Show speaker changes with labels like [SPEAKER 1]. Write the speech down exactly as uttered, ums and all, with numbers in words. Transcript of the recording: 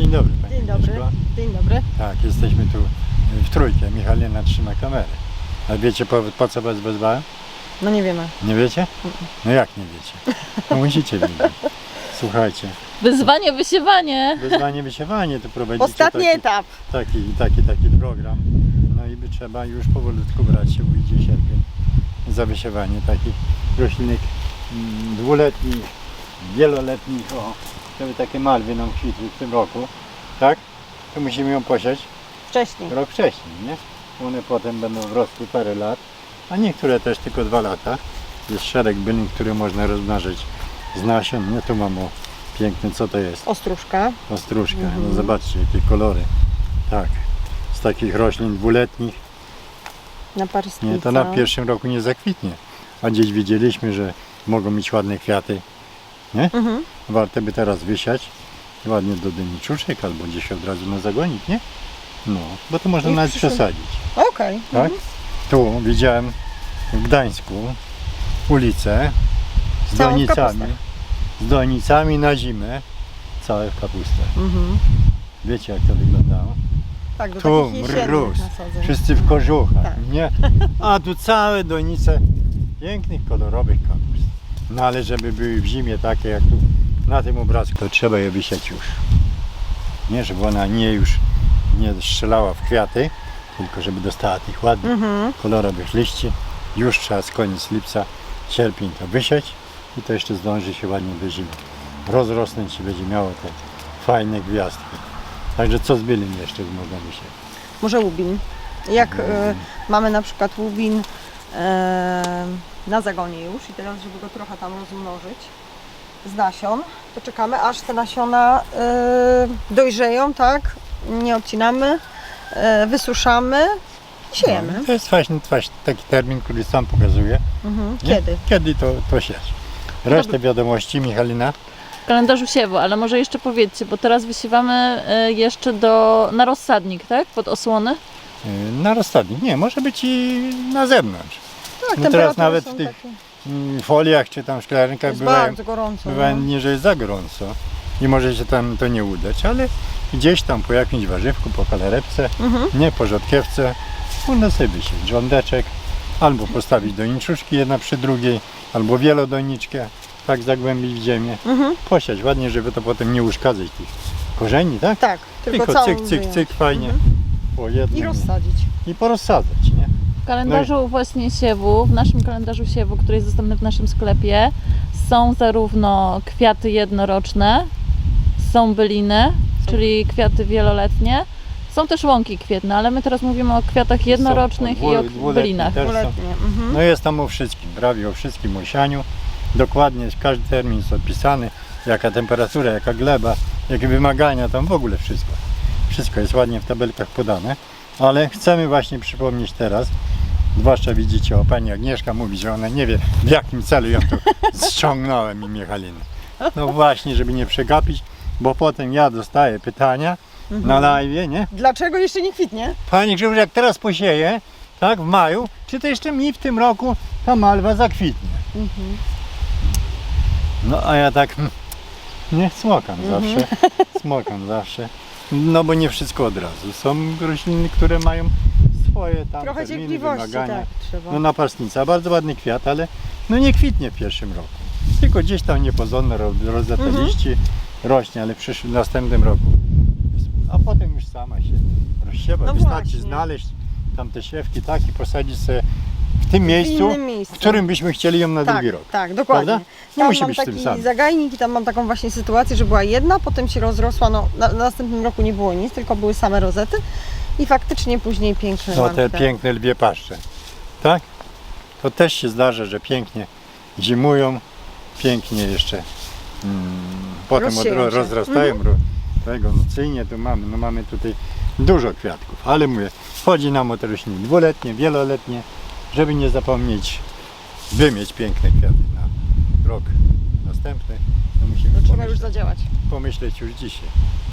[SPEAKER 1] Dzień dobry Pani
[SPEAKER 2] Dzień dobry.
[SPEAKER 1] Agnieszko.
[SPEAKER 2] Dzień dobry.
[SPEAKER 1] Tak, jesteśmy tu w trójkę. Michalina trzyma kamerę. A wiecie po, po co Was wezwałem?
[SPEAKER 2] No nie wiemy.
[SPEAKER 1] Nie wiecie? No jak nie wiecie? No musicie wiedzieć. Słuchajcie,
[SPEAKER 3] Wyzwanie, wysiewanie.
[SPEAKER 1] wyzwanie, wysiewanie to prowadzicie
[SPEAKER 2] Ostatni
[SPEAKER 1] taki,
[SPEAKER 2] etap.
[SPEAKER 1] taki, taki, taki program. No i by trzeba już powolutku brać się, ujdzie sierpień za wysiewanie takich roślinek mm, dwuletnich, wieloletnich. O, żeby takie malwy nam kwitły w tym roku, tak? To musimy ją posiać
[SPEAKER 2] Wcześniej.
[SPEAKER 1] rok wcześniej, nie? One potem będą wrosły parę lat, a niektóre też tylko dwa lata. Jest szereg bylin, które można rozmnażyć z nasion. Nie, tu mam o piękny, co to jest?
[SPEAKER 2] Ostróżka.
[SPEAKER 1] Ostróżka.
[SPEAKER 2] Mhm.
[SPEAKER 1] No zobaczcie, jakie kolory. Tak, z takich roślin dwuletnich.
[SPEAKER 2] Na parystnica.
[SPEAKER 1] Nie, to na pierwszym roku nie zakwitnie. A gdzieś wiedzieliśmy, że mogą mieć ładne kwiaty. Nie?
[SPEAKER 2] Mhm.
[SPEAKER 1] Warto by teraz wysiać ładnie do dyniczuszek albo gdzieś od razu na zagonik, nie? No, bo to można
[SPEAKER 2] I w
[SPEAKER 1] nawet
[SPEAKER 2] przyszłym-
[SPEAKER 1] przesadzić.
[SPEAKER 2] Okej.
[SPEAKER 1] Tak? Tu widziałem w Gdańsku ulicę z
[SPEAKER 2] Całą w
[SPEAKER 1] donicami,
[SPEAKER 2] kapustach.
[SPEAKER 1] z donicami na zimę, całe w kapustę.
[SPEAKER 2] Mhm.
[SPEAKER 1] Wiecie jak to wyglądało?
[SPEAKER 2] Tak, do
[SPEAKER 1] Tu
[SPEAKER 2] takich jesiennych
[SPEAKER 1] mróz,
[SPEAKER 2] nasadzeń.
[SPEAKER 1] wszyscy w kożuchach,
[SPEAKER 2] Tak.
[SPEAKER 1] nie? A tu całe donice pięknych, kolorowych kapust. No ale żeby były w zimie takie jak tu na tym obrazku, to trzeba je wysiać już. Nie, żeby ona nie już nie strzelała w kwiaty, tylko żeby dostała tych ładnych,
[SPEAKER 2] Mhm.
[SPEAKER 1] kolorowych liści. Już trzeba z koniec lipca, sierpień to wysiać i to jeszcze zdąży się ładnie do zimy rozrosnąć i będzie miało te fajne gwiazdki. Także co z bylin jeszcze można wysiać?
[SPEAKER 2] Może łubin. Jak e, mamy na przykład łubin e, na zagonie już i teraz, żeby go trochę tam rozmnożyć z nasion, to czekamy aż te nasiona e, dojrzeją, tak? Nie odcinamy, e, wysuszamy i siejemy.
[SPEAKER 1] No, to jest właśnie, właśnie taki termin, który sam pokazuje.
[SPEAKER 2] Mhm.
[SPEAKER 1] Nie?
[SPEAKER 2] Kiedy?
[SPEAKER 1] Kiedy to, to siać. Resztę wiadomości Michalina.
[SPEAKER 3] W kalendarzu siewu, ale może jeszcze powiedzcie, bo teraz wysiewamy y, jeszcze do, na rozsadnik, tak? Pod osłony.
[SPEAKER 1] Yy, Na rozsadnik. Nie, może być i na zewnątrz.
[SPEAKER 2] Tak,
[SPEAKER 1] No
[SPEAKER 2] temperatury
[SPEAKER 1] teraz nawet
[SPEAKER 2] są
[SPEAKER 1] w tych
[SPEAKER 2] takie.
[SPEAKER 1] mm, foliach czy tam szklarnikach
[SPEAKER 2] Jest
[SPEAKER 1] bywają,
[SPEAKER 2] bardzo gorąco.
[SPEAKER 1] bywają
[SPEAKER 2] no.
[SPEAKER 1] dni, że jest za gorąco i może się tam to nie udać, ale gdzieś tam po jakimś warzywku, po kalerepce,
[SPEAKER 2] Mhm.
[SPEAKER 1] nie po rzodkiewce, można sobie wysieć rządeczek, albo postawić doniczuszki jedna przy drugiej, albo wielodoniczkę, tak zagłębić w ziemię,
[SPEAKER 2] Mhm.
[SPEAKER 1] posiać ładnie, żeby to potem nie uszkadzać tych korzeni, tak?
[SPEAKER 2] Tak, tylko,
[SPEAKER 1] Tylko
[SPEAKER 2] całą
[SPEAKER 1] cyk, cyk,
[SPEAKER 2] wyjąć.
[SPEAKER 1] cyk, fajnie,
[SPEAKER 2] Mhm.
[SPEAKER 1] po jednym
[SPEAKER 2] I rozsadzić.
[SPEAKER 1] i porozsadzać, nie?
[SPEAKER 3] W kalendarzu właśnie siewu, w naszym kalendarzu siewu, który jest dostępny w naszym sklepie, są zarówno kwiaty jednoroczne, są byliny, czyli kwiaty wieloletnie, są też łąki kwietne, ale my teraz mówimy o kwiatach jednorocznych
[SPEAKER 1] Są
[SPEAKER 3] i o
[SPEAKER 1] dwu-
[SPEAKER 3] bylinach.
[SPEAKER 1] też są.
[SPEAKER 2] Dwuletnie. Mhm.
[SPEAKER 1] No jest tam o wszystkim, prawie o wszystkim, o sianiu. Dokładnie każdy termin jest opisany, jaka temperatura, jaka gleba, jakie wymagania, tam w ogóle wszystko. Wszystko jest ładnie w tabelkach podane, ale chcemy właśnie przypomnieć teraz, zwłaszcza widzicie, o pani Agnieszka mówi, że ona nie wie, w jakim celu ją tu ściągnąłem i Michaliny. No właśnie, żeby nie przegapić, bo potem ja dostaję pytania na live, nie?
[SPEAKER 2] Dlaczego jeszcze nie kwitnie?
[SPEAKER 1] Panie Grzegorz, jak teraz posieję, tak, w maju, czy to jeszcze mi w tym roku ta malwa zakwitnie?
[SPEAKER 2] Mhm.
[SPEAKER 1] No a ja tak, hmm, nie, smokam
[SPEAKER 2] Mhm.
[SPEAKER 1] zawsze, smokam zawsze. No bo nie wszystko od razu. Są rośliny, które mają swoje tam
[SPEAKER 2] Trochę
[SPEAKER 1] terminy,
[SPEAKER 2] cierpliwości,
[SPEAKER 1] wymagania.
[SPEAKER 2] tak, trzeba.
[SPEAKER 1] No napastnica, bardzo ładny kwiat, ale no nie kwitnie w pierwszym roku. Tylko gdzieś tam niepozorne ro- rodzate
[SPEAKER 2] Mhm.
[SPEAKER 1] liści rośnie, ale w przyszłym, następnym roku. A potem już sama się rozsiewa.
[SPEAKER 2] No
[SPEAKER 1] Wystarczy
[SPEAKER 2] właśnie.
[SPEAKER 1] znaleźć tam te siewki, tak, i posadzić sobie w tym miejscu,
[SPEAKER 2] w innym miejscu.
[SPEAKER 1] w którym byśmy chcieli ją na
[SPEAKER 2] tak,
[SPEAKER 1] drugi rok.
[SPEAKER 2] Tak, dokładnie.
[SPEAKER 1] Prawda? Nie
[SPEAKER 2] Tam
[SPEAKER 1] musi
[SPEAKER 2] mam
[SPEAKER 1] być w tym
[SPEAKER 2] taki
[SPEAKER 1] samym.
[SPEAKER 2] zagajnik i tam mam taką właśnie sytuację, że była jedna, potem się rozrosła, no na, na następnym roku nie było nic, tylko były same rozety i faktycznie później piękne
[SPEAKER 1] No
[SPEAKER 2] mam
[SPEAKER 1] te
[SPEAKER 2] te-
[SPEAKER 1] piękne lwie paszcze, tak? To też się zdarza, że pięknie zimują, pięknie jeszcze mm, potem od,
[SPEAKER 2] Rozsieją się.
[SPEAKER 1] rozrastają. Ro, tego, no cyjnie tu mamy, no mamy tutaj dużo kwiatków, ale mówię, chodzi nam o te rośliny dwuletnie, wieloletnie, żeby nie zapomnieć wymieć piękne kwiaty na rok następny, to musimy
[SPEAKER 2] To trzeba
[SPEAKER 1] pomyśleć,
[SPEAKER 2] już zadziałać.
[SPEAKER 1] pomyśleć już dzisiaj.